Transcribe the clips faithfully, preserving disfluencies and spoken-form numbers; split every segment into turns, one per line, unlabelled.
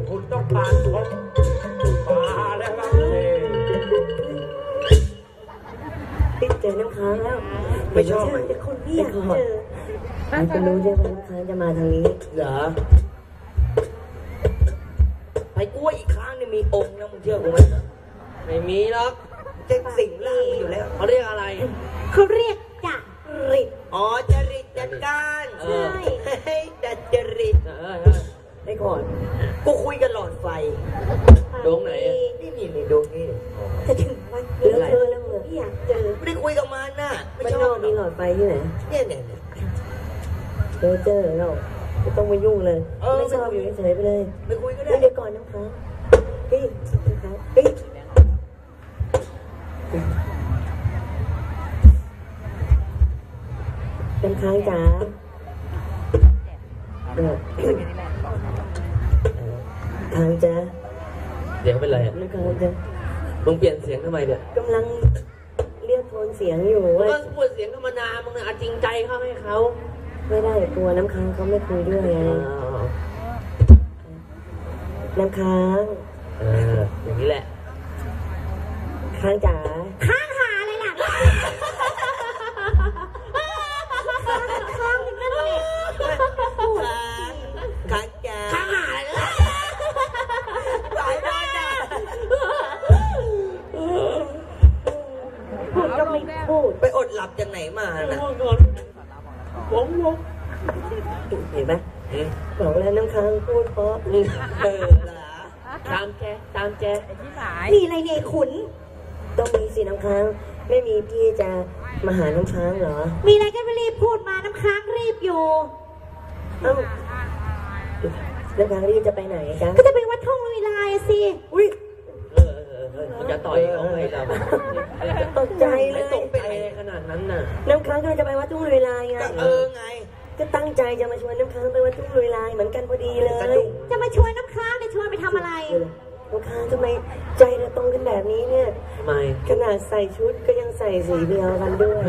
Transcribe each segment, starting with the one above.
คุณต้องการพบมาแล้วครับ
ติดเจอน้ำค้างแล้ว
ไม่ชอบ
แต่คนพี่อยากเจอมันจะรู้ใช่ไหมน้ำค้างจะมาทางนี้
เหรอไปกล้วยอีกครั้งนี่มีองค์นะมึงเชื่อกูไหมไม่มีหรอกเจ๊งสิ่งล่างอยู่แล้วเขาเรียกอะไร
เขาเรียกจักริด
อ๋อจริตจัดการ
ใช่
ดัดจริต
ไอ้ก่อน
กูคุยกันหลอดไฟดวงไหนนี่นี่นี่ดวงนี่
จะถึงวันนี้เจอแล้วเหรอพี่อยากเจอ
ไม่ได้คุยกับมันน่ะ
ไม่ชอบมีหลอดไฟที่ไหน
เนี่ยเนี่ย
เจอเจอเราไม่ต้องมายุ่งเลยไม่ชอบอยู่เฉยไปเลย
ไม่คุยก็ได้
เดี๋ยวก่อนน้ำค้างเฮ้ยน้ำค้างเฮ้ยน้ำค้างจ๋าค้างจ๋า
เดี๋ยวเป็นไรอ่ะ
น้ำค้างจ๋า
มึงเปลี่ยนเสียงทำไมเนี่ย
กำลังเรียกโทนเสียงอยู่ว่า
ก็พูดเสียงธรรมดามึงน่ะจริงใจเข้าให้เขา
ไม่ได้ตัวน้ำค้างเขาไม่คุยด้วยไงน้ำค้าง
เอออย่างนี้แหละ
ค้างจ๋า
ค้างหาอะไรล่ะค้างถึงนั่นเลย
ค้างค้างจ๋าค้างหาอะไรหลายบ้านอ่ะ
พูดก็ไม่พูด
ไปอดหลับจากไหนมาน่ะวงวง
เห็นไหมบอกแล้วน้ำค้างพูดเพราะ
เออตามแกตามแก
มีอะไรเนี่ยขุน
ต้องมีสิน้ำค้างไม่มีพี่จะมาหาน้ำค้างเหรอ
มีอะไรก็ไม่รีบพูดมาน้ำค้างรีบอยู่
เอ้าน้ำค้างรีบจะไปไหนจ๊ะ
ก็จะไปวัดทุ่งลุยลายสิ
อุ้ย
เออเออเออมันจะต่อยเขาไหมเรา
ตกใจเลย
ตกไปขนาดนั้นน่ะ
น้ำค้างก็จะไปวัดทุ่งลุยลายไง
เออไง
ก็ตั้งใจจะมาชวนน้ำค้างไปวัดทุ่งลุยลายเหมือนกันพอดีเลย
จะมาชวนน้ำค้างไปชวนไปทำอะไร
น้ำค้างทำไมใจเราตรงกันแบบนี้เนี่ย
ทำไม
ขนาดใส่ชุดก็ยังใส่สีเดียวกันด้วย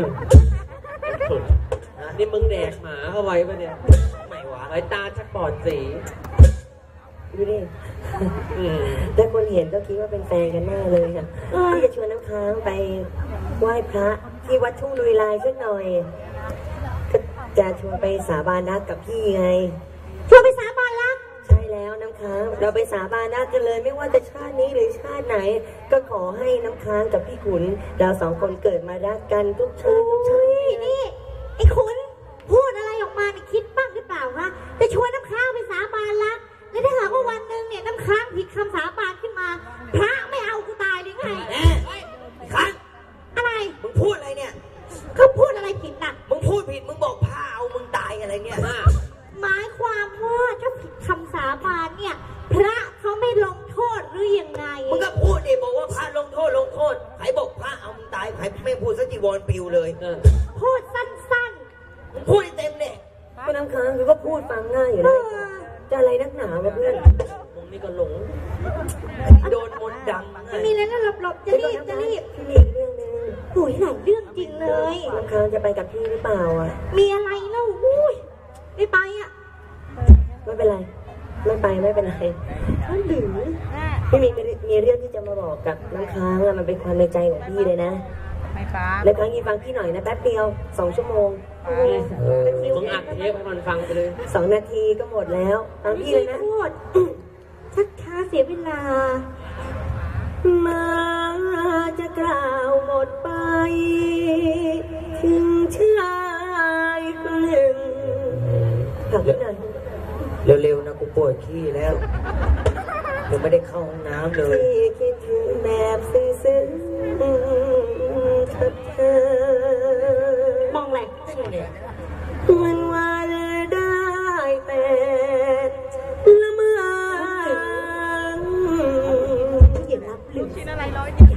นี่มึงแดกหมาเข้าไว้ปะเนี่ยไม่หวาไอ้ตาชักปอดสี
ดูดิแต่คนเห็นก็คิดว่าเป็นแฟนกันแน่เลยค่ะที่จะชวนน้ำค้างไปไหว้พระที่วัดทุ่งลุยลายสักหน่อยก็จะชวนไปสาบานรักกับพี่ไง
ชวนไปสาบานรัก
ใช่แล้วน้ำค้างเราไปสาบานรักกันเลยไม่ว่าจะชาตินี้หรือชาติไหนก็ขอให้น้ำค้างกับพี่ขุนเราสองคนเกิดมารักกันทุกชาติทุกชาติ
นี่ไอ้ขุนพูดอะไรออกมาเนี่ยคิดบ้างหรือเปล่าคะจะชวนน้ำค้างไปสาบานรักแล้วถ้าหากว่าวันหนึ่งเนี่ยน้ำค้างผิดคำสาบานขึ้นมาพระไม่เอากูตายหรือไง
ค้าง
อะไร
มึงพูดอะไรเนี่ย
เขาพูดอะไรผิดน่ะ
มึงพูดผิดมึงบอกพระเอามึงตายอะไรเนี่ย
หมายความว่าถ้าผิดคำสาบานเนี่ยพระเขาไม่ลงโทษหรือยังไง
มึงก็พูดดิบอกว่าพระลงโทษลงโทษใครบอกพระเอามึงตายใครไม่พูดสักจีวรปิวเลย
พูดสั้น
ๆมึงพูดเต็มเนี่ย
ก็น้ำค้างคือก็พูดฟังง่ายอยู่เลยจะอะไรนักหนาวะเพื่อน
มึงนี่ก็หลงโดนมนต์ดำ
ไม่มีแล้วนะหลบๆจะรีบจะรีบ
พี่มีเรื่องนึง
โอ้ยหลายเรื่องจริงเลย
น้ำค้างจะไปกับพี่หรือเปล่าอ่ะ
มีอะไรเล่าอุ้ยไม่ไปอ่ะ
ไม่เป็นไรไม่ไปไม่เป็นไรหรือพี่มีมีเรื่องที่จะมาบอกกับน้ำค้างอะมันเป็นความในใจของพี่เลยนะไม่ฟังแล้วครั้งนี้ฟังพี่หน่อยนะแป๊บเดียวสองชั่วโมง
มึงอัดเทปให้มันฟังไปเลย
สองนาทีก็หมดแล้วฟังพี่เลยนะ
พูดชักช้าเสียเวลา
มาจะกล่าวหมดไปถึงชายคนหนึ่งถามพี่หน่อย
เร็วๆนะกูปวดขี้แล้วยังไม่ได้เข้าห้องน้ำเลย
ที่คิดถึงแบบซึ้งๆกับเธอ
มองอะไร
มันวันได้แต่ละเมื่อ
อย่ารับหรือชิ้นอะไรร้อย
เนี่ย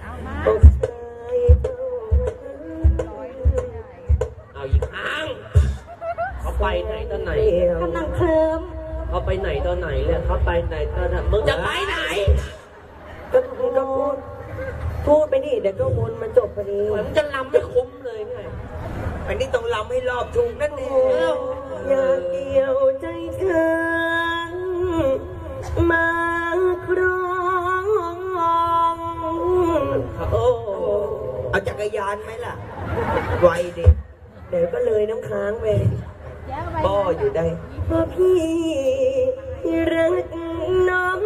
เอาอีกครั้งเขาไปไหนตอนไหน
กำลังเคลิ้ม
เขาไปไหนตอนไหนเลยเขาไปไหนตอนไหนมึงจะไปไหน
ก็พูดก็พูดพูดไปดิเดี๋ยวก็วนมาจบพอดี
มึงจะลำไม่คุ้มเลยไงอันนี้ต้องลำให้รอบถูกนั่นเอง
อยากเกี่ยวใจเธอมา
กรยานไหมล่ะ ไวดิ
เดี๋ยวก็เลยน้ำค้างไป
ป้ออยู่ได้
เพราะพี่รักน้อง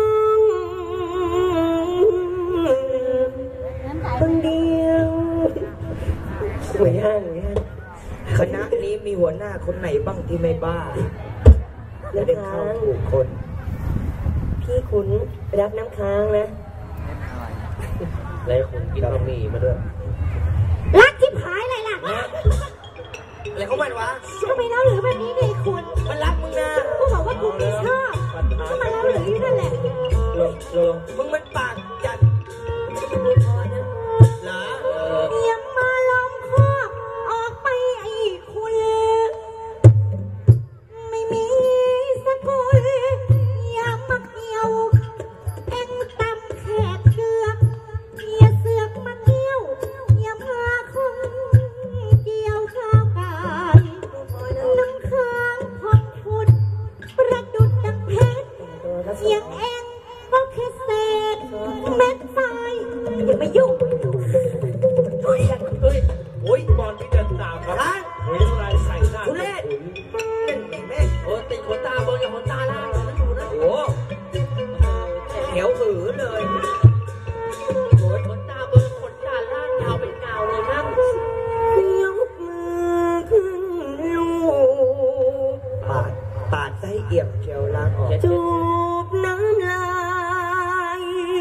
คนเดียวสวยห่างเนี่ย
คณะนี้มีหัวหน้าคนไหนบ้างที่ไม่บ้าและ
น้ำ
ได้
ค้า
เข้าง ถูกคน
พี่ขุนรักน้ำค้างนะ
แล้วคุณกินบะหมี่มาด้วย
รักที่ผายอะไรล่ะ
อะไรของมันวะ
ทำไมเล่าหรือแบบนี้เนี่ยคุณ
มันรักมึงนะ
กูบอกว่ากูไม่ชอบก็มาเล่าหรือที่นั่นแหละ
ลงลงมึงมันปากจัดเหรอเออ
อย่ามาล้อมคอกออกไปไอ้คุณ ไม่มีสกุลอย่ามาเกี่ยวเอ็งตำแขกเชือกอย่าเสือกมาเกี่ยวอย่าพาคนเกี่ยวข้าวกายน้ำค้างพองพุดประดุดดังเพชรเสียงเอ็งก็แค่เศษเม็ดทรายอย่ามายุ่ง
เฮ้ยเฮ้ยโอ้ยบอลที่เดินตามมาเฮ้ยอะไรใส่หน้าทุเรศนั่นไงแม่โอ้ติดขนตาเบอร์กับขนตาล่างนั่นอยู่นะโอ้เขียวหือเลยโอ้ยขนตาเบอร์ขนตาล่างยาวเป็นกาวเลยนั่ง
ยกมือขึ้นลูก
ปาดปาดไส้เอี่ยมเชียวล้างออก
จูบน้ำลาย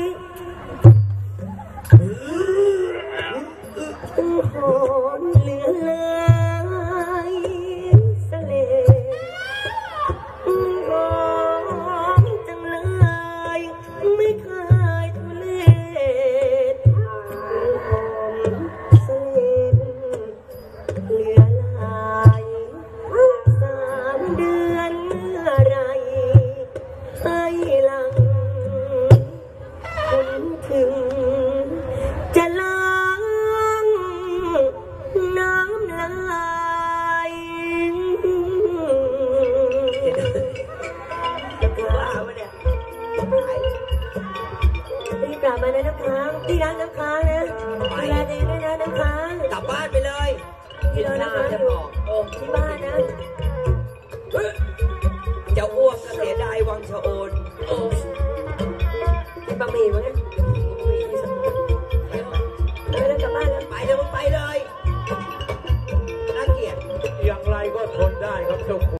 ตั้งหอนเหลือลายสะเลหอมจังเลยไม่เคยทุเลศหอมเสลดเหลือลายสามเดือนเมื่อไรให้หลังคุณถึงจะล้างน้ำลาย
บ้าวะเนี่ย
รีบกลับมานะน้ำค้างพี่รักน้ำค้างนะดูแลตัวเองด้วยนะน้ำค้าง
กลับบ้านไปเลย
พี่รอน้ำค้างอยู่ที่บ้านนะ
จะอ้วกก็เสียดายวังชะโอน
บะหมี่มั้งเนี่ยเออแล้วกลับบ้านแล้ว
ไปเลยมึงไปเลยน่าเกลียด
อย่างไรก็ทนได้ครับเจ้าคุณ